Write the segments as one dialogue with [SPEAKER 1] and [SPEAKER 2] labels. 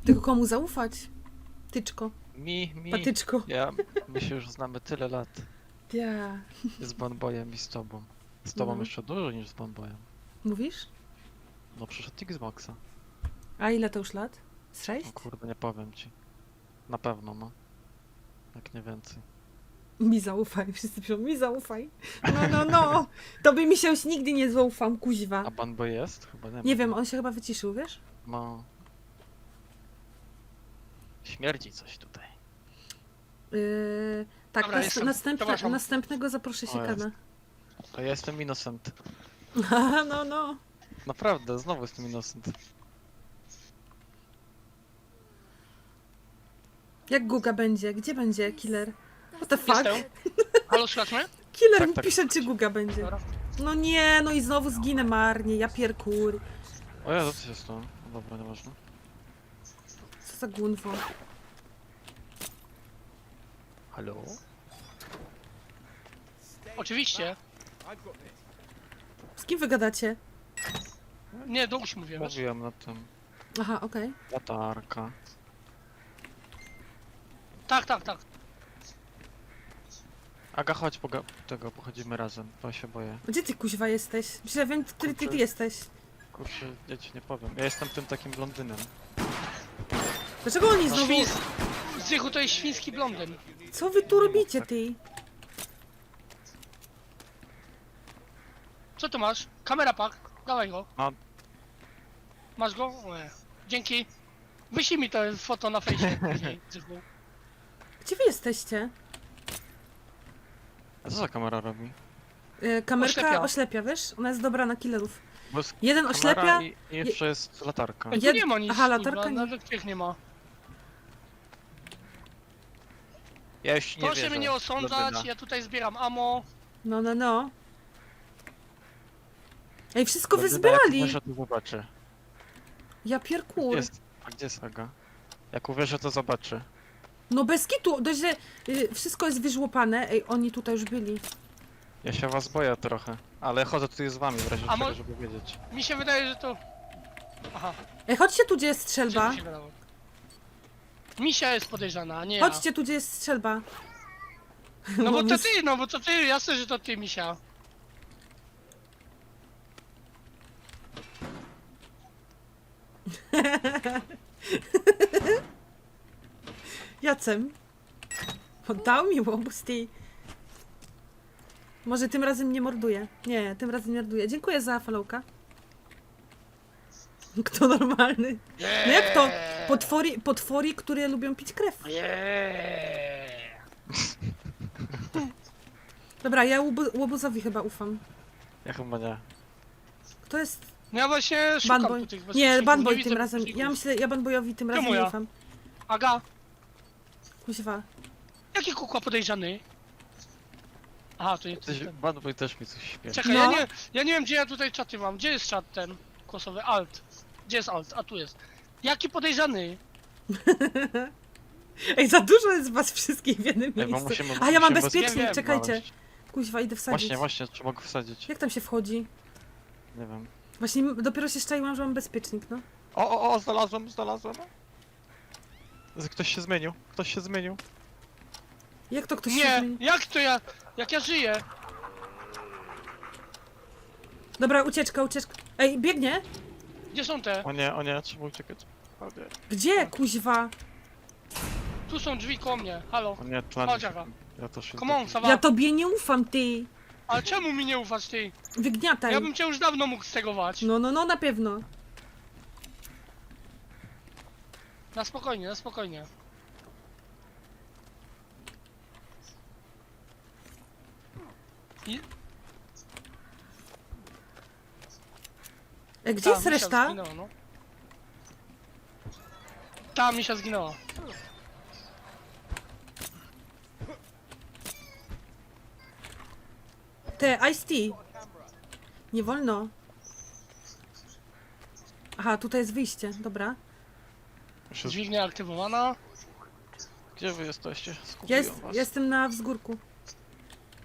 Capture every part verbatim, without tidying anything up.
[SPEAKER 1] Tylko komu zaufać? Tyczko.
[SPEAKER 2] Mi, mi.
[SPEAKER 1] Patyczko.
[SPEAKER 2] Ja, my się już znamy tyle lat.
[SPEAKER 1] Ja.
[SPEAKER 2] Z Bonboyem i z tobą. Z tobą
[SPEAKER 1] No.
[SPEAKER 2] jeszcze dużo niż z Bonboyem.
[SPEAKER 1] Mówisz?
[SPEAKER 2] No przyszedł Xboxa.
[SPEAKER 1] A ile to już lat? Z
[SPEAKER 2] O
[SPEAKER 1] sześć?
[SPEAKER 2] kurde, nie powiem ci. Na pewno, no. Jak nie więcej.
[SPEAKER 1] Mi zaufaj. Wszyscy piszą, mi zaufaj. No, no, no. Tobie mi się już nigdy nie zaufam, kuźwa.
[SPEAKER 2] A Bonboy jest? Chyba nie ma.
[SPEAKER 1] Nie wiem, on się chyba wyciszył, wiesz?
[SPEAKER 2] No. Śmierdzi coś tutaj.
[SPEAKER 1] Yy, tak,
[SPEAKER 3] Dobra,
[SPEAKER 1] nas,
[SPEAKER 3] jestem.
[SPEAKER 1] następne,
[SPEAKER 3] Zapraszam.
[SPEAKER 1] następnego zaproszę się
[SPEAKER 2] O,
[SPEAKER 1] kana.
[SPEAKER 2] To ja jestem innocent.
[SPEAKER 1] Aha, no, no.
[SPEAKER 2] Naprawdę, znowu jestem innocent.
[SPEAKER 1] Jak Guga będzie? Gdzie będzie killer? What the fuck?
[SPEAKER 3] Jestem. Halo, słychać mnie?
[SPEAKER 1] Killer
[SPEAKER 2] Tak,
[SPEAKER 1] mi
[SPEAKER 2] tak.
[SPEAKER 1] pisze, czy Guga będzie.
[SPEAKER 3] Dobra.
[SPEAKER 1] No nie, no i znowu zginę marnie, ja pierkur.
[SPEAKER 2] O ja, co się stało? No dobra, nieważne.
[SPEAKER 1] Co za gunwo.
[SPEAKER 2] Halo?
[SPEAKER 3] Oczywiście.
[SPEAKER 1] Z kim wy gadacie?
[SPEAKER 3] Nie, do usi mówię, wiesz?
[SPEAKER 2] Mówiłem na tym.
[SPEAKER 1] Aha, okej.
[SPEAKER 2] Latarka.
[SPEAKER 3] Tak, tak, tak.
[SPEAKER 2] Aga, chodź, poga tego, pochodzimy razem, bo się boję.
[SPEAKER 1] Gdzie ty kuźwa jesteś? Myślę, że wiem, który ty, ty
[SPEAKER 2] Kurczę.
[SPEAKER 1] jesteś.
[SPEAKER 2] Kurczę, ja ci nie powiem. Ja jestem tym takim blondynem.
[SPEAKER 1] Dlaczego oni znowu...
[SPEAKER 3] Świns... Zychu to jest świński blondyn.
[SPEAKER 1] Co wy tu robicie, ty?
[SPEAKER 3] Co tu masz? Kamera pak. Dawaj go.
[SPEAKER 2] No.
[SPEAKER 3] Masz go? Nie. Dzięki. Wyślij mi to foto na fejsie później, Zychu.
[SPEAKER 1] Gdzie wy jesteście?
[SPEAKER 2] A co za kamera robi?
[SPEAKER 1] Yy, kamerka oślepia.
[SPEAKER 3] Oślepia.
[SPEAKER 1] wiesz? Ona jest dobra na killerów.
[SPEAKER 2] Bo jest
[SPEAKER 1] Jeden
[SPEAKER 2] kamera
[SPEAKER 1] oślepia...
[SPEAKER 2] i, i jeszcze jest latarka.
[SPEAKER 3] Tu
[SPEAKER 1] Jed-
[SPEAKER 3] nie ma nic,
[SPEAKER 1] Aha, latarka
[SPEAKER 3] kurwa,
[SPEAKER 1] nie.
[SPEAKER 3] nawet tych nie ma.
[SPEAKER 2] Ja już nie
[SPEAKER 3] Proszę
[SPEAKER 2] wierzę.
[SPEAKER 3] mnie nie osądzać,
[SPEAKER 2] blondyna.
[SPEAKER 3] ja tutaj zbieram ammo.
[SPEAKER 1] No, no, no. Ej, wszystko wy
[SPEAKER 2] Blondyna, jak
[SPEAKER 1] zbierali!
[SPEAKER 2] uwierzę, to zobaczy.
[SPEAKER 1] Ja
[SPEAKER 2] Gdzie
[SPEAKER 1] pierkur.
[SPEAKER 2] jest? A gdzie jest Aga? Jak uwierzę, to zobaczy.
[SPEAKER 1] No bez kitu, dość, że y, wszystko jest wyżłopane. Ej, oni tutaj już byli.
[SPEAKER 2] Ja się was boję trochę. Ale chodzę tutaj z wami w razie
[SPEAKER 3] A
[SPEAKER 2] czego,
[SPEAKER 3] mo-
[SPEAKER 2] żeby wiedzieć.
[SPEAKER 3] Mi się wydaje, że to... Aha,
[SPEAKER 1] Ej, chodźcie tu, gdzie jest
[SPEAKER 3] gdzie
[SPEAKER 1] strzelba.
[SPEAKER 3] mi się wydało? Misia jest podejrzana, a nie ja.
[SPEAKER 1] Chodźcie tu, gdzie jest strzelba.
[SPEAKER 3] No bo to
[SPEAKER 1] my-
[SPEAKER 3] ty, no bo to ty, jasne, że to ty, Misia.
[SPEAKER 1] Jacem. Oddał mi łobuz, ty. Może tym razem nie morduje. Nie, tym razem nie morduje. Dziękuję za followka. Kto normalny? No jak to? Potwory, potwory, które lubią pić krew.
[SPEAKER 3] Yeah.
[SPEAKER 1] Dobra, ja łobu- łobuzowi chyba ufam.
[SPEAKER 2] Ja chyba nie.
[SPEAKER 1] Kto jest?
[SPEAKER 3] No ja właśnie szukam
[SPEAKER 1] Banboy.
[SPEAKER 3] tu tych
[SPEAKER 1] Nie,
[SPEAKER 3] bezpieczników,
[SPEAKER 1] Banboy
[SPEAKER 3] widzę
[SPEAKER 1] tym razem.
[SPEAKER 3] bezpieczników.
[SPEAKER 1] Ja myślę, ja Banboyowi tym razem
[SPEAKER 3] Czemu
[SPEAKER 1] nie
[SPEAKER 3] ja?
[SPEAKER 1] ufam.
[SPEAKER 3] Aga,
[SPEAKER 1] Kuźwa.
[SPEAKER 3] jaki kukła podejrzany? Aha, to nie
[SPEAKER 2] Coś,
[SPEAKER 3] ten.
[SPEAKER 2] Banboy też mi coś śpiewa.
[SPEAKER 3] Czekaj,
[SPEAKER 1] No.
[SPEAKER 3] ja, nie, ja nie wiem gdzie ja tutaj czaty mam. Gdzie jest czat ten głosowy? Alt. Gdzie jest alt? A tu jest. Jaki podejrzany?
[SPEAKER 1] Ej, za dużo jest was wszystkich w jednym
[SPEAKER 2] Ej, bo
[SPEAKER 1] miejscu.
[SPEAKER 2] musimy-
[SPEAKER 1] A ja mam
[SPEAKER 2] musimy
[SPEAKER 1] bezpiecznik,
[SPEAKER 3] bezpiecznie
[SPEAKER 1] czekajcie.
[SPEAKER 2] znaleźć.
[SPEAKER 1] Kuźwa, idę wsadzić.
[SPEAKER 2] Właśnie, właśnie, trzeba go wsadzić.
[SPEAKER 1] Jak tam się wchodzi?
[SPEAKER 2] Nie wiem.
[SPEAKER 1] Właśnie m- dopiero się szczaiłam, że mam bezpiecznik, no.
[SPEAKER 2] O, o, o, znalazłem, znalazłem. Z- Ktoś się zmienił, ktoś się zmienił.
[SPEAKER 1] Jak to ktoś się
[SPEAKER 3] Nie,
[SPEAKER 1] zmieni?
[SPEAKER 3] jak to ja? Jak ja żyję?
[SPEAKER 1] Dobra, ucieczka, ucieczka. Ej, biegnie?
[SPEAKER 3] Gdzie są te?
[SPEAKER 2] O nie, o nie, trzeba uciekać. O nie,
[SPEAKER 1] Gdzie, kuźwa?
[SPEAKER 3] Tu są drzwi koło mnie. Halo.
[SPEAKER 2] o nie, tlen.
[SPEAKER 3] Chodź, Aga.
[SPEAKER 2] Ja też się
[SPEAKER 3] Come on,
[SPEAKER 2] zgubiłem.
[SPEAKER 3] Sawa.
[SPEAKER 1] Ja tobie nie ufam, ty.
[SPEAKER 3] Ale czemu mi nie ufasz ty?
[SPEAKER 1] Wygniataj.
[SPEAKER 3] Ja bym cię już dawno mógł stegować.
[SPEAKER 1] No, no, no, na pewno.
[SPEAKER 3] Na spokojnie, na spokojnie. I...
[SPEAKER 1] E, gdzie
[SPEAKER 3] Ta,
[SPEAKER 1] jest
[SPEAKER 3] Misia
[SPEAKER 1] reszta?
[SPEAKER 3] Zginęła, no. Ta misia zginęła.
[SPEAKER 1] Te, Ice Tea. Nie wolno. Aha, tutaj jest wyjście, dobra.
[SPEAKER 2] Jeszcze z-
[SPEAKER 3] Dźwignia aktywowana.
[SPEAKER 2] Gdzie wy jesteście?
[SPEAKER 1] Ja
[SPEAKER 2] Skupiłem
[SPEAKER 1] jest,
[SPEAKER 2] was.
[SPEAKER 1] jestem na wzgórku.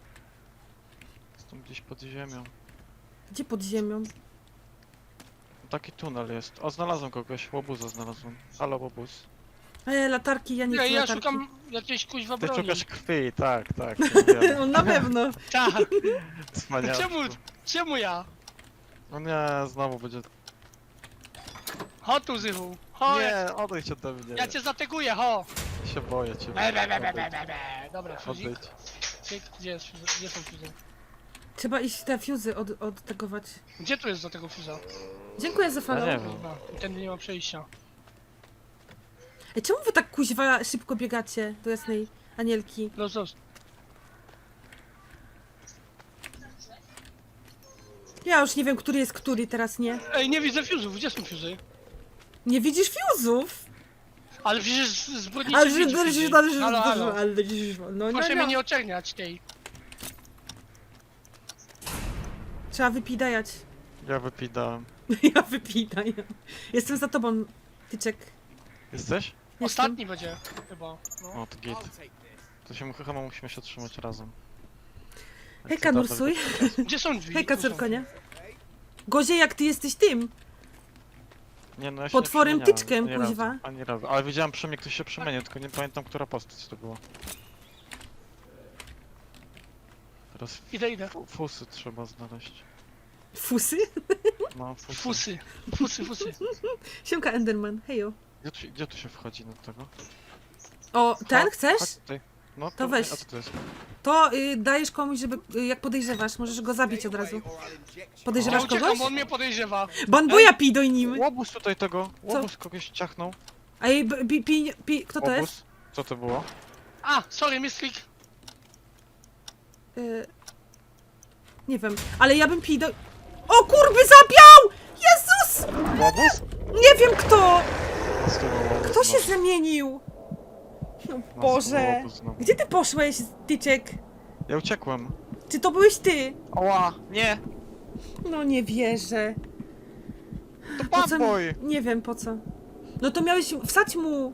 [SPEAKER 2] Jestem gdzieś pod ziemią.
[SPEAKER 1] Gdzie pod ziemią?
[SPEAKER 2] taki tunel jest. O, znalazłem kogoś. Łobuza znalazłem. Halo, łobuz.
[SPEAKER 1] E, latarki, ja nie
[SPEAKER 3] Ja,
[SPEAKER 1] chcę
[SPEAKER 3] ja
[SPEAKER 1] latarki.
[SPEAKER 3] szukam jakiejś kuźwa
[SPEAKER 2] Ty
[SPEAKER 3] broni.
[SPEAKER 2] szukasz krwi, tak, tak. to wiem.
[SPEAKER 1] On na pewno.
[SPEAKER 3] Tak,
[SPEAKER 2] Wspaniałe.
[SPEAKER 3] czemu, czemu ja?
[SPEAKER 2] No nie, znowu będzie...
[SPEAKER 3] Chodź tu, Zychu. Chodź,
[SPEAKER 2] Nie, odejdź ode mnie.
[SPEAKER 3] ja cię zateguję, ho.
[SPEAKER 2] się boję cię.
[SPEAKER 3] Be, be, be, be, be, be, be. Dobra, fuzik.
[SPEAKER 2] Odejdź.
[SPEAKER 3] Cyk, Gdzie, jest, fuzy? Gdzie są fuzy?
[SPEAKER 1] Trzeba iść te fuzy od, odtegować.
[SPEAKER 3] Gdzie tu jest do tego fuza?
[SPEAKER 1] Dziękuję za
[SPEAKER 2] Ja
[SPEAKER 1] follow.
[SPEAKER 2] nie wiem.
[SPEAKER 3] Kurwa, tędy nie ma przejścia.
[SPEAKER 1] Ej, czemu wy tak kuźwa szybko biegacie do jasnej anielki?
[SPEAKER 3] Los, los.
[SPEAKER 1] Ja już nie wiem, który jest który teraz, nie?
[SPEAKER 3] Ej, nie widzę fuzów, gdzie są fuzy?
[SPEAKER 1] Nie widzisz fuzów?
[SPEAKER 3] Ale przecież zbrodniczy
[SPEAKER 1] Ale że
[SPEAKER 3] widzi
[SPEAKER 1] ale
[SPEAKER 3] fuzy.
[SPEAKER 1] że ale że
[SPEAKER 3] Halo, halo.
[SPEAKER 1] ale że no no
[SPEAKER 3] Proszę mnie
[SPEAKER 1] no.
[SPEAKER 3] nie oczerniać tej.
[SPEAKER 1] Trzeba wypidajać.
[SPEAKER 2] Ja wypidałem.
[SPEAKER 1] Ja wypidaj. Jestem za tobą, tyczek.
[SPEAKER 2] Jesteś?
[SPEAKER 1] Jestem.
[SPEAKER 3] Ostatni będzie, chyba. No.
[SPEAKER 2] O, to git. To się chyba musimy się trzymać razem.
[SPEAKER 1] Hejka, Nursuj.
[SPEAKER 3] Gdzie są drzwi?
[SPEAKER 1] Hejka,
[SPEAKER 3] Tu są.
[SPEAKER 1] córko, nie? Gozie, jak ty jesteś tym.
[SPEAKER 2] Nie, no ja się
[SPEAKER 1] Potworem
[SPEAKER 2] nie przemieniałem,
[SPEAKER 1] tyczkiem,
[SPEAKER 2] ani
[SPEAKER 1] kuźwa.
[SPEAKER 2] razu, Ani razu. Ale widziałem przy mnie ktoś się przemienił, tylko nie pamiętam, która postać to była. Teraz
[SPEAKER 3] Idę, idę.
[SPEAKER 2] fu- fusy trzeba znaleźć.
[SPEAKER 1] Fusy?
[SPEAKER 2] No, fusy.
[SPEAKER 3] Fusy, fusy, fusy.
[SPEAKER 1] Siemka, Enderman, hejo.
[SPEAKER 2] Gdzie tu, gdzie tu się wchodzi do tego?
[SPEAKER 1] O, ten
[SPEAKER 2] Chodź-
[SPEAKER 1] chcesz?
[SPEAKER 2] chodź tutaj. No,
[SPEAKER 1] To weź.
[SPEAKER 2] A co to jest?
[SPEAKER 1] To y, dajesz komuś, żeby, y, jak podejrzewasz, możesz go zabić od razu.
[SPEAKER 3] Ja
[SPEAKER 1] Podejrzewasz
[SPEAKER 3] uciekam,
[SPEAKER 1] kogoś?
[SPEAKER 3] bo on mnie podejrzewa.
[SPEAKER 1] Banboja pij do nim.
[SPEAKER 2] Łobuz tutaj tego! Łobuz kogoś ciachnął.
[SPEAKER 1] A jej, b- pi, pi, pi, kto to jest?
[SPEAKER 2] Łobuz. Co to było?
[SPEAKER 3] A, sorry, mistrik.
[SPEAKER 1] Y, nie wiem, ale ja bym pij do... O kurby, zabiał! Jezus!
[SPEAKER 2] Łobuz?
[SPEAKER 1] Nie wiem kto!
[SPEAKER 2] Znowu
[SPEAKER 1] Kto się
[SPEAKER 2] łobuz
[SPEAKER 1] zamienił? No
[SPEAKER 2] znowu.
[SPEAKER 1] Boże.
[SPEAKER 2] Łobuz znowu.
[SPEAKER 1] Gdzie ty poszłeś, tyczek?
[SPEAKER 2] Ja uciekłem.
[SPEAKER 1] Czy to byłeś ty?
[SPEAKER 2] Oła! Nie!
[SPEAKER 1] No nie wierzę.
[SPEAKER 2] To
[SPEAKER 1] Po co
[SPEAKER 2] bad
[SPEAKER 1] mi-
[SPEAKER 2] boy!
[SPEAKER 1] Nie wiem po co. No to miałeś... Wsadź mu...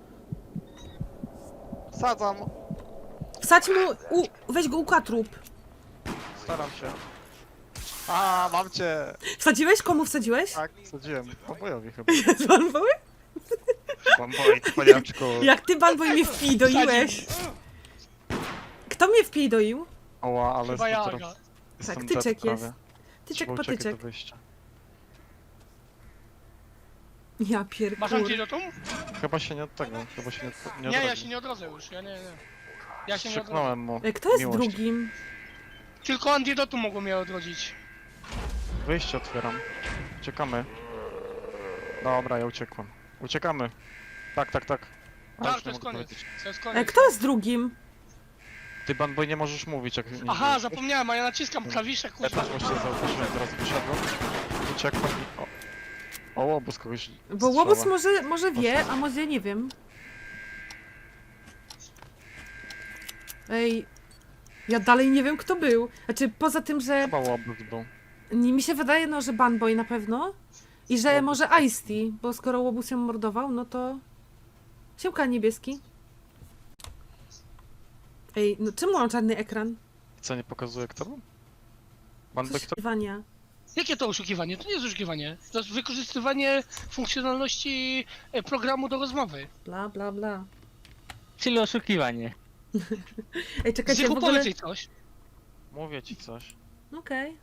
[SPEAKER 2] Sadzam!
[SPEAKER 1] Wsadź mu... U, weź go ukatrup.
[SPEAKER 2] Staram się. A, mam cię!
[SPEAKER 1] Wsadziłeś? Komu wsadziłeś?
[SPEAKER 2] Tak, sadziłem. Obojowi chyba.
[SPEAKER 1] Z Banboy?
[SPEAKER 2] Bamboj, paniaczku.
[SPEAKER 1] Jak ty, Banboy, mnie wpidoiłeś? Kto mnie wpidoił?
[SPEAKER 2] Oła, ale
[SPEAKER 3] Chyba
[SPEAKER 2] jestem
[SPEAKER 3] ja.
[SPEAKER 2] teraz...
[SPEAKER 1] Tak,
[SPEAKER 2] Jestem
[SPEAKER 1] tyczek
[SPEAKER 2] dead prawie.
[SPEAKER 1] jest. Tyczek
[SPEAKER 2] Trzeba
[SPEAKER 1] po
[SPEAKER 2] uciekać
[SPEAKER 1] tyczek.
[SPEAKER 2] do wyjścia.
[SPEAKER 1] Ja
[SPEAKER 3] Masz
[SPEAKER 1] pierdolę.
[SPEAKER 3] antidotum?
[SPEAKER 2] Chyba się nie od tego, chyba się nie, nie
[SPEAKER 3] Nie, ja
[SPEAKER 2] odrodzi.
[SPEAKER 3] się nie odrodzę już, ja nie, nie. Ja się nie odrodzę.
[SPEAKER 2] Krzyknąłem mu.
[SPEAKER 1] E, Kto jest
[SPEAKER 2] miłość.
[SPEAKER 1] drugim?
[SPEAKER 3] Tylko antidotum mogło mnie odrodzić.
[SPEAKER 2] Wyjście otwieram. Uciekamy. Dobra, ja uciekłem. Uciekamy. Tak, tak, tak. A
[SPEAKER 3] Tak,
[SPEAKER 2] już
[SPEAKER 3] to
[SPEAKER 2] nie
[SPEAKER 3] jest
[SPEAKER 2] mogę
[SPEAKER 3] koniec.
[SPEAKER 2] powiedzieć.
[SPEAKER 3] To jest
[SPEAKER 1] E,
[SPEAKER 3] koniec.
[SPEAKER 1] Kto jest drugim?
[SPEAKER 2] Ty, Banboy, nie możesz mówić, jak nie
[SPEAKER 3] Aha,
[SPEAKER 2] mówisz.
[SPEAKER 3] zapomniałem, a ja naciskam klawisze,
[SPEAKER 2] Ja
[SPEAKER 3] kurwa.
[SPEAKER 2] też właśnie zauważyłem, teraz wyszedłem. Uciekłem i... O, o łobuz kogoś
[SPEAKER 1] Bo łobuz
[SPEAKER 2] strzela.
[SPEAKER 1] może, może wie, a może nie wiem. Ej, ja dalej nie wiem kto był. Znaczy poza tym, że
[SPEAKER 2] Chyba łobuz był.
[SPEAKER 1] mi się wydaje, no, że Banboy na pewno. I że
[SPEAKER 2] Łobuz.
[SPEAKER 1] może Ice-T, bo skoro łobuz ją mordował, no to... Siemka, niebieski. Ej, no czemu mam czarny ekran?
[SPEAKER 2] Co, nie pokazuje kto był? Banboy kto?
[SPEAKER 1] Wania.
[SPEAKER 3] Jakie to oszukiwanie? To nie jest oszukiwanie. To jest wykorzystywanie funkcjonalności e, programu do rozmowy.
[SPEAKER 1] Bla, bla, bla.
[SPEAKER 4] Czyli oszukiwanie.
[SPEAKER 1] Ej, czekajcie,
[SPEAKER 3] Zychu,
[SPEAKER 1] w ogóle...
[SPEAKER 3] powiedz jej coś.
[SPEAKER 2] Mówię ci coś.
[SPEAKER 1] Okej.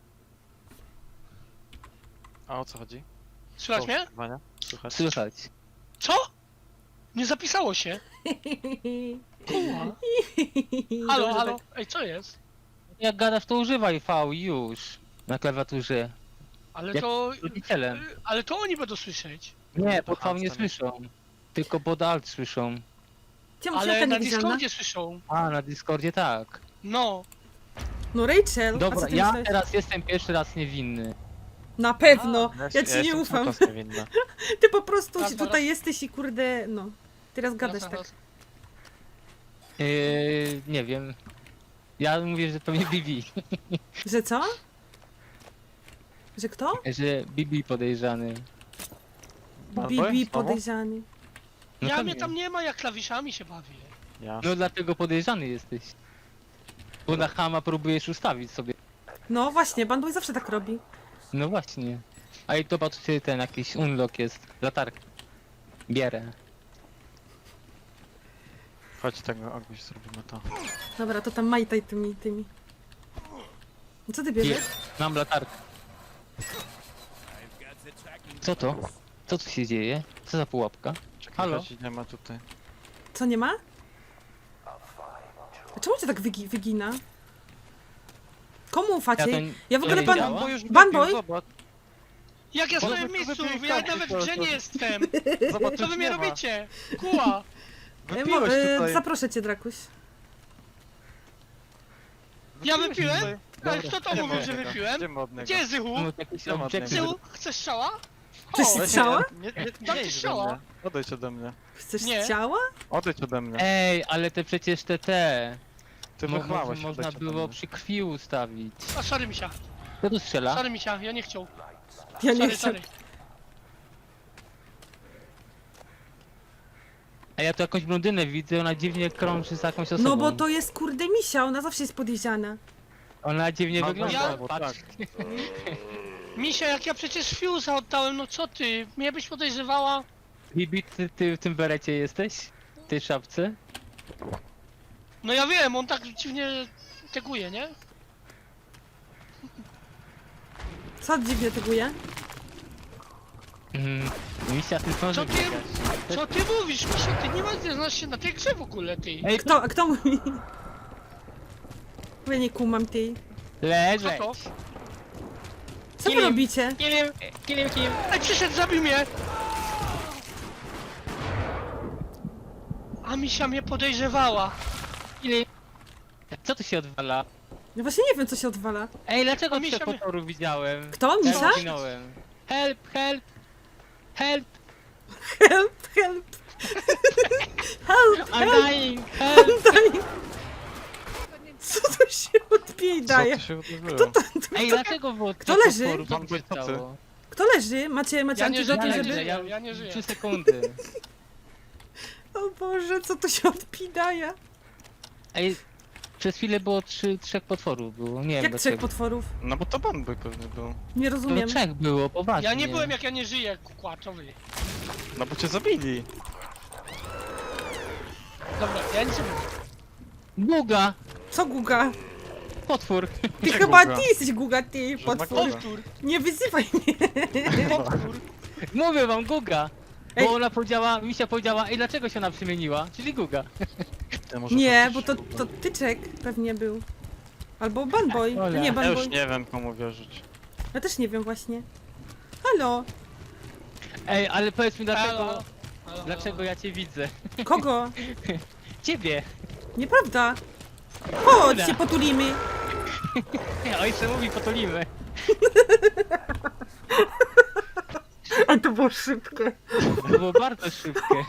[SPEAKER 2] A o co chodzi?
[SPEAKER 3] Słychać
[SPEAKER 2] Co,
[SPEAKER 3] mnie?
[SPEAKER 2] oszukiwania? Słychać?
[SPEAKER 4] Słychać.
[SPEAKER 3] Co? Nie zapisało się. Kurwa. Halo,
[SPEAKER 1] Dobrze,
[SPEAKER 3] halo.
[SPEAKER 1] tak.
[SPEAKER 3] Ej, co jest?
[SPEAKER 4] Jak gadasz, to używaj V już na klawiaturze.
[SPEAKER 3] Ale
[SPEAKER 4] Jak
[SPEAKER 3] to...
[SPEAKER 4] rodzicielem.
[SPEAKER 3] y, Ale to oni będą słyszeć.
[SPEAKER 4] Nie, pod
[SPEAKER 2] Aha,
[SPEAKER 4] V nie
[SPEAKER 2] wcale.
[SPEAKER 4] słyszą. Tylko pod Alt słyszą.
[SPEAKER 1] Czemu
[SPEAKER 3] Ale
[SPEAKER 1] siemka
[SPEAKER 3] na
[SPEAKER 1] niewidzialna?
[SPEAKER 3] Discordzie słyszą.
[SPEAKER 4] A, na Discordzie tak.
[SPEAKER 3] No.
[SPEAKER 1] No Rachel, a
[SPEAKER 4] Dobra,
[SPEAKER 1] co ty
[SPEAKER 4] ja
[SPEAKER 1] myślałeś?
[SPEAKER 4] teraz jestem pierwszy raz niewinny.
[SPEAKER 1] Na pewno,
[SPEAKER 2] Ja,
[SPEAKER 1] ja ci nie
[SPEAKER 2] jestem
[SPEAKER 1] ufam.
[SPEAKER 2] cały czas niewinny.
[SPEAKER 1] Ty po prostu
[SPEAKER 3] Raz,
[SPEAKER 1] się
[SPEAKER 3] dwa,
[SPEAKER 1] tutaj
[SPEAKER 3] raz.
[SPEAKER 1] jesteś i kurde, no. Teraz gadasz
[SPEAKER 3] Raz,
[SPEAKER 1] tak.
[SPEAKER 3] raz.
[SPEAKER 4] Yy, nie wiem. Ja mówię, że to mnie Bibi.
[SPEAKER 1] Że co? Że kto?
[SPEAKER 4] Że Bibi podejrzany.
[SPEAKER 2] Banboy?
[SPEAKER 1] Bibi
[SPEAKER 2] Znowu?
[SPEAKER 1] podejrzany.
[SPEAKER 4] No
[SPEAKER 3] Ja
[SPEAKER 4] to
[SPEAKER 3] mnie
[SPEAKER 4] nie.
[SPEAKER 3] tam nie ma, jak klawiszami się bawię.
[SPEAKER 2] Ja.
[SPEAKER 4] No dlatego podejrzany jesteś. Bo na Hama próbujesz ustawić sobie.
[SPEAKER 1] No właśnie, Banboy zawsze tak robi.
[SPEAKER 4] No właśnie. A i zobaczcie, ten jakiś unlock jest. Latarka. Bierę.
[SPEAKER 2] Chodź tego, Aguś, zrobimy to.
[SPEAKER 1] Dobra, to tam majtaj tymi, tymi. Co ty
[SPEAKER 4] I
[SPEAKER 1] bierzesz?
[SPEAKER 4] mam latarkę. Co to? Co tu się dzieje? Co za pułapka?
[SPEAKER 2] Czekaj,
[SPEAKER 4] Halo?
[SPEAKER 2] chodź, nie ma tutaj.
[SPEAKER 1] Co, nie ma? A czemu cię tak wygi wygina? Komu ufacie?
[SPEAKER 4] Ja
[SPEAKER 1] Ja,
[SPEAKER 4] to-
[SPEAKER 1] w
[SPEAKER 4] to
[SPEAKER 1] ogóle
[SPEAKER 4] nie
[SPEAKER 1] pan...
[SPEAKER 4] działa?
[SPEAKER 2] Bo już
[SPEAKER 1] Banboy?
[SPEAKER 2] wypił, zobacz.
[SPEAKER 3] Jak ja
[SPEAKER 2] Bo
[SPEAKER 3] stoję w
[SPEAKER 2] wy-
[SPEAKER 3] miejscu,
[SPEAKER 2] wypiłeś
[SPEAKER 3] ja
[SPEAKER 2] karty
[SPEAKER 3] nawet
[SPEAKER 2] po
[SPEAKER 3] w grze
[SPEAKER 2] prostu.
[SPEAKER 3] nie jestem.
[SPEAKER 2] Zobacz,
[SPEAKER 3] Co
[SPEAKER 2] już
[SPEAKER 3] wy mnie
[SPEAKER 2] nie ma.
[SPEAKER 3] robicie? Kuła.
[SPEAKER 1] E, mo-
[SPEAKER 2] Wypiłeś
[SPEAKER 1] e,
[SPEAKER 2] tutaj.
[SPEAKER 1] zaproszę cię, Drakuś.
[SPEAKER 3] Ja
[SPEAKER 2] Wypiłeś
[SPEAKER 3] wypiłem?
[SPEAKER 2] tutaj.
[SPEAKER 3] Ale kto to
[SPEAKER 2] Idziemy
[SPEAKER 3] mówił,
[SPEAKER 2] od
[SPEAKER 3] że
[SPEAKER 2] niego,
[SPEAKER 3] wypiłem?
[SPEAKER 2] idziemy od niego.
[SPEAKER 3] Gdzie jest Zychu?
[SPEAKER 4] No, jakiś
[SPEAKER 2] Nie ma
[SPEAKER 4] obiekt.
[SPEAKER 2] tego.
[SPEAKER 3] Zychu, chcesz strzała?
[SPEAKER 1] Chcesz
[SPEAKER 3] O,
[SPEAKER 1] się strzała?
[SPEAKER 2] Nie, nie, nie,
[SPEAKER 3] Tak
[SPEAKER 2] nie
[SPEAKER 3] ci
[SPEAKER 2] idź
[SPEAKER 3] strzała.
[SPEAKER 2] ode mnie. Odejdź ode mnie.
[SPEAKER 1] Chcesz
[SPEAKER 3] Nie.
[SPEAKER 1] ciała?
[SPEAKER 2] Odejdź ode mnie.
[SPEAKER 4] Ej, ale te przecież te te.
[SPEAKER 2] Ty
[SPEAKER 4] Mo-
[SPEAKER 2] wychwałeś,
[SPEAKER 4] mo- Można
[SPEAKER 2] odejdź ode
[SPEAKER 4] było
[SPEAKER 2] mnie.
[SPEAKER 4] przy krwi ustawić.
[SPEAKER 3] A sorry misia,
[SPEAKER 4] Kto tu strzela?
[SPEAKER 3] sorry misia, ja nie chciał.
[SPEAKER 1] Ja nie
[SPEAKER 3] Sorry,
[SPEAKER 1] chcę.
[SPEAKER 3] sorry.
[SPEAKER 4] A ja tu jakąś blondynę widzę, ona dziwnie krąży z jakąś osobą.
[SPEAKER 1] No bo to jest kurde misia, ona zawsze jest podejrzana.
[SPEAKER 4] Ona dziwnie
[SPEAKER 2] No,
[SPEAKER 4] wygląda.
[SPEAKER 3] ja-
[SPEAKER 2] bo
[SPEAKER 4] Patrz.
[SPEAKER 2] tak.
[SPEAKER 3] Misia, jak ja przecież Fuse'a oddałem, no co ty? Mnie byś podejrzewała?
[SPEAKER 4] Bibi, ty, ty w tym berecie jesteś? W tej szapce?
[SPEAKER 3] No ja wiem, on tak dziwnie teguje, nie?
[SPEAKER 1] Co dziwnie tyguje?
[SPEAKER 4] Mm, misia, ty
[SPEAKER 3] Co
[SPEAKER 4] zdążył
[SPEAKER 3] ty,
[SPEAKER 4] biegać.
[SPEAKER 3] co ty mówisz, Misia? Ty nie, ma, nie znasz się na tej grze w ogóle, ty.
[SPEAKER 4] Ej,
[SPEAKER 1] Kto, kto mówi? Ja nie kumam tej.
[SPEAKER 4] leżeć!
[SPEAKER 3] Co to?
[SPEAKER 1] Co wy
[SPEAKER 4] Kilim.
[SPEAKER 1] robicie?
[SPEAKER 3] Nie wiem.
[SPEAKER 4] Kilim, kilim.
[SPEAKER 3] Ej, przyszedł, zabił mnie! A Misia mnie podejrzewała.
[SPEAKER 4] Kilim. Co tu się odwala?
[SPEAKER 1] Ja właśnie nie wiem, co się odwala.
[SPEAKER 4] Ej, dlaczego
[SPEAKER 3] A misia
[SPEAKER 4] cię
[SPEAKER 3] mnie-
[SPEAKER 4] potoru widziałem?
[SPEAKER 1] Kto?
[SPEAKER 4] Ja
[SPEAKER 1] Misia?
[SPEAKER 4] zginąłem. Help, help! Help!
[SPEAKER 1] Help, help! Help,
[SPEAKER 4] I'm dying! Help!
[SPEAKER 1] daj! Co tu się odbije
[SPEAKER 2] Co
[SPEAKER 1] daje?
[SPEAKER 2] tu się wydarzyło?
[SPEAKER 4] Ej, dlaczego było
[SPEAKER 1] Kto
[SPEAKER 4] tych
[SPEAKER 1] leży?
[SPEAKER 4] potworów? Co
[SPEAKER 2] Pan
[SPEAKER 4] tu się
[SPEAKER 2] Wojtkocy.
[SPEAKER 4] stało?
[SPEAKER 1] Kto leży? Macie, macie
[SPEAKER 3] Ja nie
[SPEAKER 1] antidoty,
[SPEAKER 3] żyję,
[SPEAKER 4] Ja
[SPEAKER 1] żeby...
[SPEAKER 4] leżę, ja,
[SPEAKER 3] Ja nie żyję.
[SPEAKER 4] Trzy sekundy.
[SPEAKER 1] O Boże, co tu się odpidaje?
[SPEAKER 4] Ej, przez chwilę było trzy, trzech potworów było, nie wiem
[SPEAKER 1] Jak trzech
[SPEAKER 4] dlaczego.
[SPEAKER 1] potworów?
[SPEAKER 2] No bo to Banboy pewnie był.
[SPEAKER 1] Nie
[SPEAKER 4] To
[SPEAKER 1] rozumiem.
[SPEAKER 4] trzech było, poważnie.
[SPEAKER 3] Ja nie byłem, jak ja nie żyję, kukłaczowy.
[SPEAKER 2] No bo cię zabili.
[SPEAKER 3] Dobra, ja nic nie mówię.
[SPEAKER 4] Guga!
[SPEAKER 1] Co Guga?
[SPEAKER 4] Potwór!
[SPEAKER 1] Ty
[SPEAKER 2] Gdzie
[SPEAKER 1] chyba
[SPEAKER 2] Guga?
[SPEAKER 1] ty jesteś Guga, ty
[SPEAKER 2] Że
[SPEAKER 1] potwór.
[SPEAKER 2] Guga.
[SPEAKER 3] Powtór,
[SPEAKER 1] Nie wyzywaj mnie.
[SPEAKER 3] powtór.
[SPEAKER 4] Mówię wam, Guga! Bo
[SPEAKER 1] Ej.
[SPEAKER 4] ona powiedziała, Misia powiedziała, ej, dlaczego się ona przemieniła? Czyli Guga.
[SPEAKER 2] Ja może
[SPEAKER 1] Nie, bo to,
[SPEAKER 2] faktycznie
[SPEAKER 1] to tyczek pewnie był. Albo Banboy.
[SPEAKER 4] Ola.
[SPEAKER 1] Nie,
[SPEAKER 2] Ja
[SPEAKER 1] Banboy.
[SPEAKER 2] już nie wiem komu wierzyć.
[SPEAKER 1] Ja też nie wiem właśnie. Halo?
[SPEAKER 4] Ej, ale powiedz mi dlaczego,
[SPEAKER 3] Halo? Halo?
[SPEAKER 4] dlaczego ja cię widzę?
[SPEAKER 1] Kogo?
[SPEAKER 4] Ciebie!
[SPEAKER 1] Nieprawda. Chodź się potulimy.
[SPEAKER 4] Ojcze mówi, potolimy.
[SPEAKER 1] A to było szybkie.
[SPEAKER 4] To było bardzo szybkie.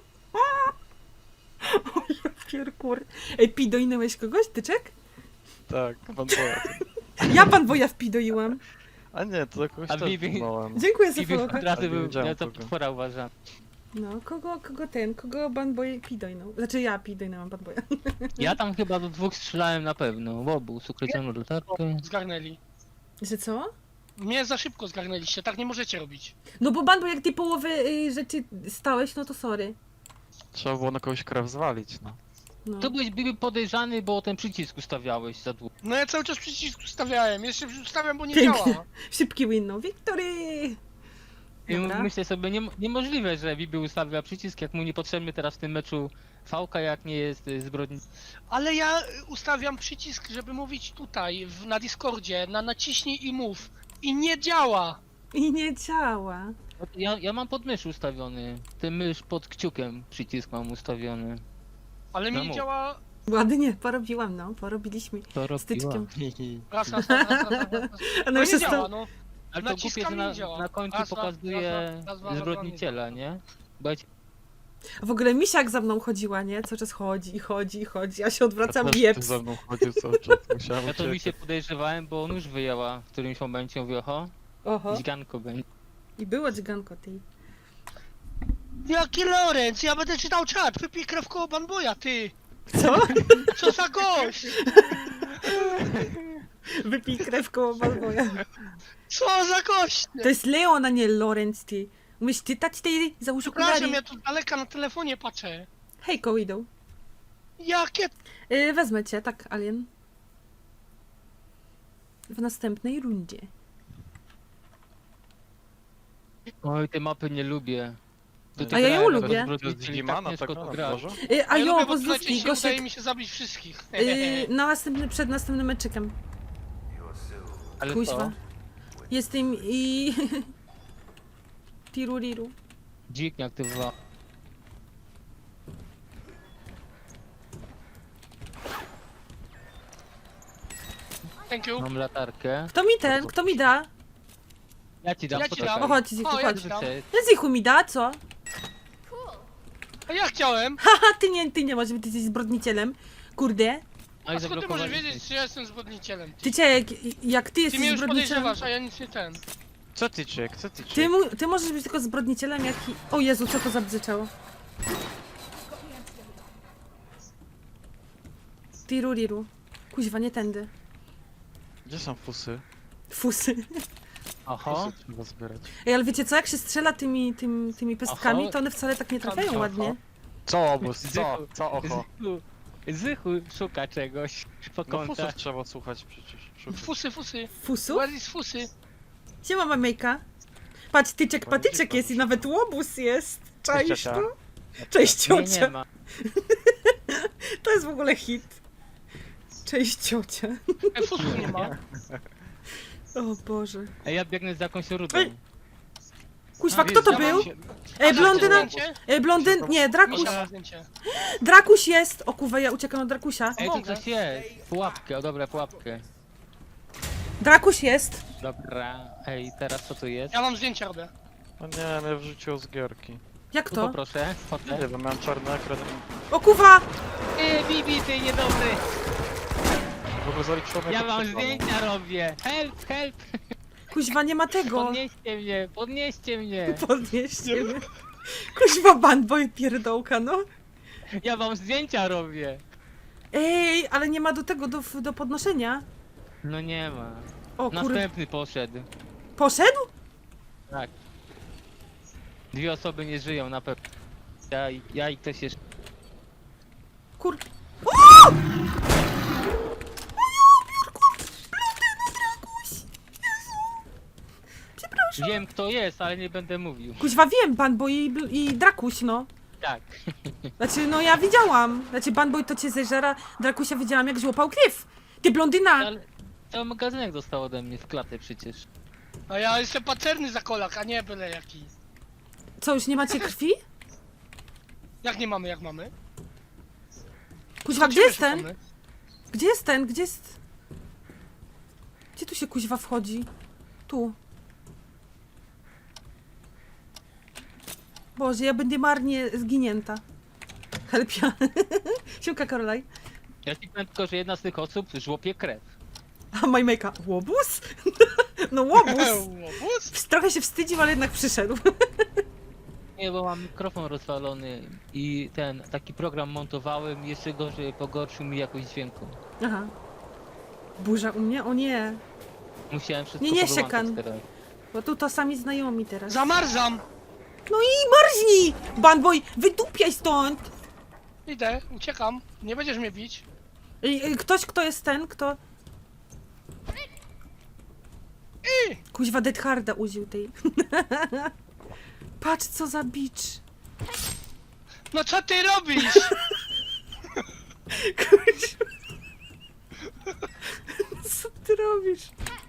[SPEAKER 1] Pierkur. Ej, pidoinęłeś kogoś, tyczek?
[SPEAKER 2] Tak, Banboya.
[SPEAKER 1] Ja Banboya wpidoiłam.
[SPEAKER 2] A nie, to kogoś
[SPEAKER 4] A
[SPEAKER 2] też
[SPEAKER 4] Bibi-
[SPEAKER 2] poznałem.
[SPEAKER 1] Dziękuję za
[SPEAKER 4] Ciebie
[SPEAKER 1] followka.
[SPEAKER 4] od razu
[SPEAKER 2] Ale nie
[SPEAKER 4] był,
[SPEAKER 2] wiedziałem
[SPEAKER 4] ja to
[SPEAKER 2] kogo.
[SPEAKER 4] potwora uważam.
[SPEAKER 1] No, kogo, kogo ten, kogo Banboy pidoinął? Znaczy ja pidoinęłam Banboya.
[SPEAKER 4] Ja tam chyba do dwóch strzelałem na pewno. Łobu, ukrycioną latarkę.
[SPEAKER 3] Zgarnęli.
[SPEAKER 1] Że co?
[SPEAKER 3] Mnie za szybko zgarnęliście, tak nie możecie robić.
[SPEAKER 1] No bo Banboy, jak ty połowę y, rzeczy stałeś, no to sorry.
[SPEAKER 2] Trzeba było na kogoś krew zwalić, no.
[SPEAKER 1] No.
[SPEAKER 4] To byłeś Bibi podejrzany, bo ten przycisk ustawiałeś za długo.
[SPEAKER 3] No ja cały czas przycisk ustawiałem, jeszcze ustawiam, bo nie
[SPEAKER 1] Pięknie.
[SPEAKER 3] działa.
[SPEAKER 1] Szybki win, no. Victory!
[SPEAKER 4] I
[SPEAKER 1] Dobra.
[SPEAKER 4] myślę sobie, nie, niemożliwe, że Bibi ustawia przycisk, jak mu niepotrzebny teraz w tym meczu fałka, jak nie jest y, zbrodni.
[SPEAKER 3] Ale ja y, ustawiam przycisk, żeby mówić tutaj, w, na Discordzie, na naciśnij i mów. I nie działa.
[SPEAKER 1] I nie działa.
[SPEAKER 4] Ja, ja mam pod mysz ustawiony. Ten mysz pod kciukiem przycisk mam ustawiony.
[SPEAKER 3] Ale mi
[SPEAKER 4] No
[SPEAKER 3] nie
[SPEAKER 4] mów.
[SPEAKER 3] działa.
[SPEAKER 1] Ładnie, porobiłam, no. Porobiliśmy.
[SPEAKER 4] To robiła.
[SPEAKER 1] Styczkiem.
[SPEAKER 3] Raz, raz, raz, raz, raz, raz.
[SPEAKER 1] A
[SPEAKER 3] No
[SPEAKER 1] no
[SPEAKER 3] nie
[SPEAKER 1] się
[SPEAKER 3] działa,
[SPEAKER 1] sta...
[SPEAKER 3] no.
[SPEAKER 4] Ale to głupie,
[SPEAKER 3] Naciskam
[SPEAKER 4] że
[SPEAKER 3] i
[SPEAKER 4] na,
[SPEAKER 3] nie działa.
[SPEAKER 4] na końcu
[SPEAKER 3] Raz, raz,
[SPEAKER 4] pokazuje
[SPEAKER 3] raz, raz, raz, raz,
[SPEAKER 4] zbrodniciela,
[SPEAKER 3] raz,
[SPEAKER 4] nie? Bo ja ci-
[SPEAKER 1] W ogóle misiak za mną chodziła, nie? Cały czas chodzi i chodzi i chodzi. Ja się odwracam
[SPEAKER 2] Ja
[SPEAKER 1] i
[SPEAKER 2] też
[SPEAKER 1] jeps.
[SPEAKER 2] ty ze mną chodził cały czas, musiałem
[SPEAKER 4] ja to mi
[SPEAKER 2] uciekać.
[SPEAKER 4] się podejrzewałem, bo on już wyjęła w którymś momencie, mówię, oho,
[SPEAKER 1] Oho.
[SPEAKER 4] dźganko będzie.
[SPEAKER 1] I było dźganko tej.
[SPEAKER 3] Jaki Lorenz? Ja będę czytał czat. Wypij krew koło Banboya, ty.
[SPEAKER 1] Co?
[SPEAKER 3] Co za gość?
[SPEAKER 1] Wypij krew koło Balboja.
[SPEAKER 3] Co za gość!
[SPEAKER 1] To jest Leon, a nie Lorenz, ty. Umiesz czytać, ty? Załóż
[SPEAKER 3] Przepraszam,
[SPEAKER 1] okulary.
[SPEAKER 3] ja tu z daleka na telefonie patrzę.
[SPEAKER 1] Hej, Koidą.
[SPEAKER 3] Jakie...
[SPEAKER 1] Yy, wezmę cię, tak, Alien. W następnej rundzie.
[SPEAKER 4] Oj, te mapy nie lubię.
[SPEAKER 1] A ja ją
[SPEAKER 4] grałem
[SPEAKER 1] lubię.
[SPEAKER 4] jako
[SPEAKER 2] To jest
[SPEAKER 4] zbrodniczy,
[SPEAKER 2] Digimana,
[SPEAKER 4] ciężko
[SPEAKER 2] tak
[SPEAKER 4] to
[SPEAKER 2] na
[SPEAKER 4] grać.
[SPEAKER 2] dworze?
[SPEAKER 1] Yy, a
[SPEAKER 3] ja
[SPEAKER 1] jo,
[SPEAKER 3] lubię, bo
[SPEAKER 1] pozdrówki,
[SPEAKER 3] słuchajcie, się udaje
[SPEAKER 1] Gosiek.
[SPEAKER 3] mi się zabić wszystkich.
[SPEAKER 1] Yy, na następny, przed następnym meczykiem.
[SPEAKER 4] Ale
[SPEAKER 1] Kuźwa.
[SPEAKER 4] to,
[SPEAKER 1] Jestem i... Tiruriru.
[SPEAKER 4] dzik nie aktywował.
[SPEAKER 3] Thank you.
[SPEAKER 4] Mam latarkę.
[SPEAKER 1] Kto mi ten, kto mi da?
[SPEAKER 4] Ja ci dam,
[SPEAKER 3] Ja ci
[SPEAKER 4] poczekaj.
[SPEAKER 3] dam.
[SPEAKER 1] O, chodź, Zichu,
[SPEAKER 3] O, ja
[SPEAKER 1] chodź.
[SPEAKER 3] ci dam.
[SPEAKER 1] Zichu mi da, co?
[SPEAKER 3] A ja chciałem.
[SPEAKER 1] Haha, ty nie, ty nie możesz, ty jesteś zbrodnicicielem. Kurde.
[SPEAKER 4] Oj,
[SPEAKER 3] A skąd ty możesz
[SPEAKER 4] zablokowali
[SPEAKER 3] wiedzieć,
[SPEAKER 4] mnie.
[SPEAKER 3] czy ja jestem zbrodnicicielem?
[SPEAKER 1] Ty cię, jak, jak ty
[SPEAKER 3] Ty
[SPEAKER 1] jesteś
[SPEAKER 3] mnie już
[SPEAKER 1] zbrodnicicielem...
[SPEAKER 3] podejrzewasz, a ja nic nie ten.
[SPEAKER 2] Co ty czek, co ty
[SPEAKER 1] Ty,
[SPEAKER 2] czek?
[SPEAKER 1] mu, ty możesz być tylko zbrodnicicielem, jak... i- O Jezu, co to zabrzyczało? Tiruriru. Kuźwa, nie tędy.
[SPEAKER 2] Gdzie są fusy?
[SPEAKER 1] Fusy.
[SPEAKER 4] Oho.
[SPEAKER 2] Fusy trzeba zbierać.
[SPEAKER 1] Ej, ale wiecie co, jak się strzela tymi, tymi, tymi pestkami,
[SPEAKER 4] Aha.
[SPEAKER 1] to one wcale tak nie trafiają
[SPEAKER 4] Oho.
[SPEAKER 1] ładnie.
[SPEAKER 2] Co obóz, co? Co oho?
[SPEAKER 4] Zychu, Zychu szuka czegoś po
[SPEAKER 2] No fusów
[SPEAKER 4] kątach.
[SPEAKER 2] trzeba słuchać przecież. Szukać.
[SPEAKER 3] Fusy, fusy.
[SPEAKER 1] Fusu?
[SPEAKER 3] Where is fusy?
[SPEAKER 1] Siema, mamejka. Patrz, tyczek,
[SPEAKER 2] Ładnie
[SPEAKER 1] patyczek
[SPEAKER 2] dziękuję.
[SPEAKER 1] jest i nawet łobuz jest. Cześć,
[SPEAKER 2] ciocia.
[SPEAKER 1] to? Cześć,
[SPEAKER 4] Nie, nie
[SPEAKER 1] ciocia.
[SPEAKER 4] ma.
[SPEAKER 1] To jest w ogóle hit. Cześć, ciocia.
[SPEAKER 3] E, fusów nie ma.
[SPEAKER 1] O Boże.
[SPEAKER 4] Ej, ja biegnę za jakąś rudą.
[SPEAKER 1] Ej, Kuźwa,
[SPEAKER 4] A,
[SPEAKER 1] kto to
[SPEAKER 3] ja mam
[SPEAKER 1] był?
[SPEAKER 3] się-
[SPEAKER 1] Ej,
[SPEAKER 3] A,
[SPEAKER 1] blondyna...
[SPEAKER 3] zdjęcie?
[SPEAKER 1] Ej, blondyn... Nie, Drakuś.
[SPEAKER 3] Misia ma zdjęcie.
[SPEAKER 1] Drakuś jest! O kurwa, ja uciekam od Drakusia.
[SPEAKER 4] Ej, tu
[SPEAKER 3] Mogę.
[SPEAKER 4] coś jest. Pułapkę, o dobra, pułapkę.
[SPEAKER 1] Drakuś jest.
[SPEAKER 4] Dobra. Ej, teraz co tu jest?
[SPEAKER 3] Ja mam zdjęcie robię.
[SPEAKER 2] No nie, mnie wrzuciło z gierki.
[SPEAKER 1] Jak
[SPEAKER 4] Tu
[SPEAKER 1] to?
[SPEAKER 4] poproszę,
[SPEAKER 2] Nie
[SPEAKER 4] fotę.
[SPEAKER 2] wiem, miałem czarny ekran.
[SPEAKER 1] O kurwa!
[SPEAKER 4] Ej, Bibi, ty niedobry!
[SPEAKER 2] W ogóle zaliczyło mnie
[SPEAKER 4] Ja
[SPEAKER 2] to
[SPEAKER 4] wam
[SPEAKER 2] przed panem.
[SPEAKER 4] zdjęcia robię! Help, help!
[SPEAKER 1] Kuźwa, nie ma tego.
[SPEAKER 4] Podnieście mnie, podnieście mnie!
[SPEAKER 1] Podnieście mnie. Kuźwa, bandboy pierdołka, no.
[SPEAKER 4] Ja wam zdjęcia robię!
[SPEAKER 1] Ej, ale nie ma do tego, do, do podnoszenia.
[SPEAKER 4] No nie ma.
[SPEAKER 1] O kurde.
[SPEAKER 4] Następny poszedł.
[SPEAKER 1] Poszedł?
[SPEAKER 4] Tak. Dwie osoby nie żyją na pewno. Ja, i- ja i ktoś jeszcze.
[SPEAKER 1] Kur...
[SPEAKER 4] Wiem kto jest, ale nie będę mówił.
[SPEAKER 1] Kuźwa, wiem, bandboy i, bl- i Drakuś, no.
[SPEAKER 4] Tak.
[SPEAKER 1] Znaczy, no ja widziałam. Znaczy, bandboy to cię zeżera, Drakusia widziałam jak złapał krew. Ty blondyna!
[SPEAKER 4] Ale cały magazynek dostał ode mnie w klatę przecież.
[SPEAKER 3] A ja jestem pacerny za kolak, a nie byle jaki.
[SPEAKER 1] Co, już nie macie krwi?
[SPEAKER 3] Jak nie mamy, jak mamy?
[SPEAKER 1] Kuźwa, gdzie
[SPEAKER 3] Ciebie
[SPEAKER 1] jest ten?
[SPEAKER 3] szukamy.
[SPEAKER 1] Gdzie jest ten? Gdzie jest... Gdzie tu się kuźwa wchodzi? Tu. Boże, ja będę marnie zginięta. Helpia. Siemka, Karolaj.
[SPEAKER 4] Ja ci powiem tylko, że jedna z tych osób żłopie krew.
[SPEAKER 1] A Majmejka, łobuz? No łobuz.
[SPEAKER 3] Łobuz?
[SPEAKER 1] Trochę się wstydził, ale jednak przyszedł.
[SPEAKER 4] Nie, bo mam mikrofon rozwalony i ten taki program montowałem, jeszcze gorzej pogorszył mi jakość dźwięku.
[SPEAKER 1] Aha. Burza u mnie? O nie.
[SPEAKER 4] Musiałem wszystko
[SPEAKER 1] Nie, nie,
[SPEAKER 4] powyłączać
[SPEAKER 1] siekan.
[SPEAKER 4] teraz.
[SPEAKER 1] Bo tu to sami znajomi teraz.
[SPEAKER 3] Zamarzam!
[SPEAKER 1] No i marznij! Bandboy, wydupiaj stąd!
[SPEAKER 3] Idę, uciekam. Nie będziesz mnie bić.
[SPEAKER 1] I, i ktoś, kto jest ten, kto...
[SPEAKER 3] I!
[SPEAKER 1] Kuźwa Dead Harda użył tej. Patrz co za bicz.
[SPEAKER 3] No co ty robisz?
[SPEAKER 1] Kuźwa. Co ty robisz?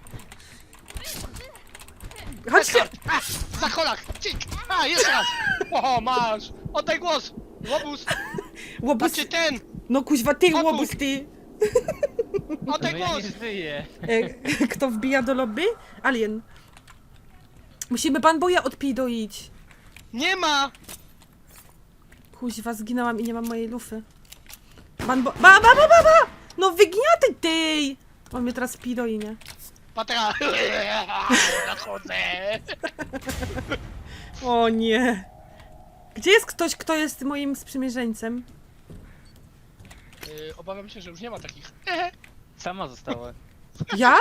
[SPEAKER 1] Chodźcie!
[SPEAKER 3] A, za kolak! Cik! A, jeszcze raz! Oho, masz! Oddaj głos! Łobuz!
[SPEAKER 1] Łobuz...
[SPEAKER 3] Znaczy ten!
[SPEAKER 1] No kuźwa ty,
[SPEAKER 3] Otóż.
[SPEAKER 1] łobuz ty!
[SPEAKER 3] Oddaj
[SPEAKER 4] No ja
[SPEAKER 3] głos!
[SPEAKER 4] nie żyję.
[SPEAKER 1] E, kto wbija do lobby? Alien. Musimy Bandboya odpidoić.
[SPEAKER 3] Nie ma!
[SPEAKER 1] Kuźwa, zginęłam i nie mam mojej lufy. Banbo... Ba, ba, ba, ba, ba! No wygniaty tej! On mnie teraz pidoi, nie?
[SPEAKER 3] Patera! Nadchodzę!
[SPEAKER 1] O nie. Gdzie jest ktoś, kto jest moim sprzymierzeńcem?
[SPEAKER 3] Yy, obawiam się, że już nie ma takich.
[SPEAKER 4] Sama została.
[SPEAKER 1] Ja?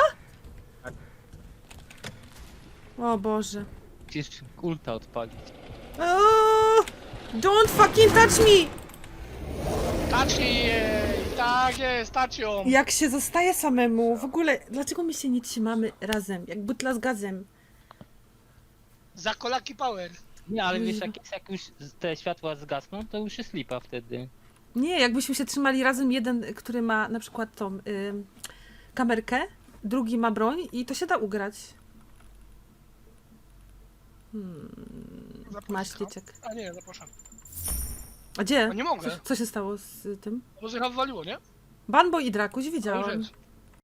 [SPEAKER 1] O Boże.
[SPEAKER 4] Musisz ulta odpalić.
[SPEAKER 1] O, don't fucking touch me!
[SPEAKER 3] Tacznij jej! Tak jest, tacz ją!
[SPEAKER 1] Jak się zostaje samemu, w ogóle, dlaczego my się nie trzymamy razem, jak butla z gazem?
[SPEAKER 3] Za kolaki power.
[SPEAKER 4] Nie, ale wiesz,
[SPEAKER 1] Kuźwa.
[SPEAKER 4] jak, jest- jak już te światła zgasną, to już jest lipa wtedy.
[SPEAKER 1] Nie, jakbyśmy się trzymali razem, jeden, który ma na przykład tą y, kamerkę, drugi ma broń i to się da ugrać. Hmm,
[SPEAKER 3] Zapraszam.
[SPEAKER 1] maśliczek.
[SPEAKER 3] A nie, zapraszam.
[SPEAKER 1] A gdzie?
[SPEAKER 3] A nie mogę.
[SPEAKER 1] Co, co się stało z tym?
[SPEAKER 3] Bo zjechał wywaliło, nie?
[SPEAKER 1] Banbo i Drakuś,
[SPEAKER 3] To już
[SPEAKER 1] widziałam.
[SPEAKER 3] jest.